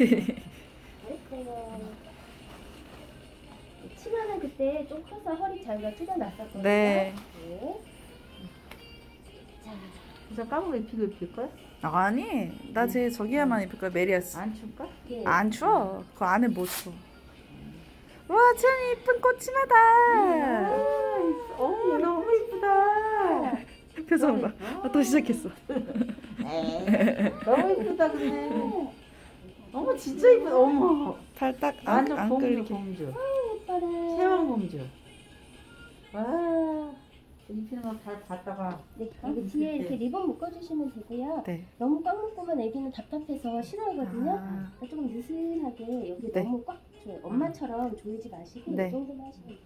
잘했어요. 치마는 그때 좀 커서 허리 자기가 찢어놨었거든요. 네. 네. 자, 그래서 까먹고 입힐 거야? 아니, 나 저기야만 입을 거야. 메리아스. 안 춥까? 예. 안 추워. 그 안에 뭐 추워. 와, 참 이쁜 꽃치마다. 어머 너무 이쁘다. 표정 봐. 또 시작했어. 너무 이쁘다 근데. 어머 진짜 이쁘다. 어머. 팔 딱 완전 안 공주 끌리게. 공주. 예뻐라. 세왕 공주. 와. 입히는 거 잘 봤다가. 네, 여기 뒤에 이렇게 리본 묶어주시면 되고요. 네. 너무 꽉 묶으면 애기는 답답해서 싫어하거든요. 아. 그러니까 조금 느슨하게 여기 네. 너무 꽉 줘요. 엄마처럼 조이지 마시고 네. 이 정도만 하시면 돼요.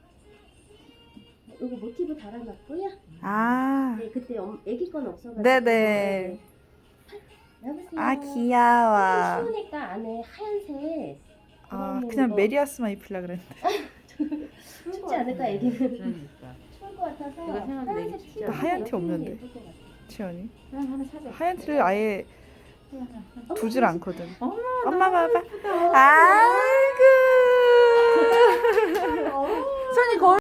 이거 모티브 달아놨고요. 아. 네, 그때 애기 건 없어가지고. 네네. 여보세요. 아, 귀여워. 추우니까 안에 하얀색. 아, 이거는 그냥 뭐 메리아스만 입히려고 그랬는데. 춥지 않을까 애기는. 그러니까. 추울 것 같아서 이거 생각보다 하얀색 진짜 티 나 하얀 티 입으면 없는데. 예쁠 것 같아요. 치연이. 하나 사자. 하얀 티를 아예 두질 않거든. 어머 엄마 봐봐. 이쁘다. 아이고. 손이 거울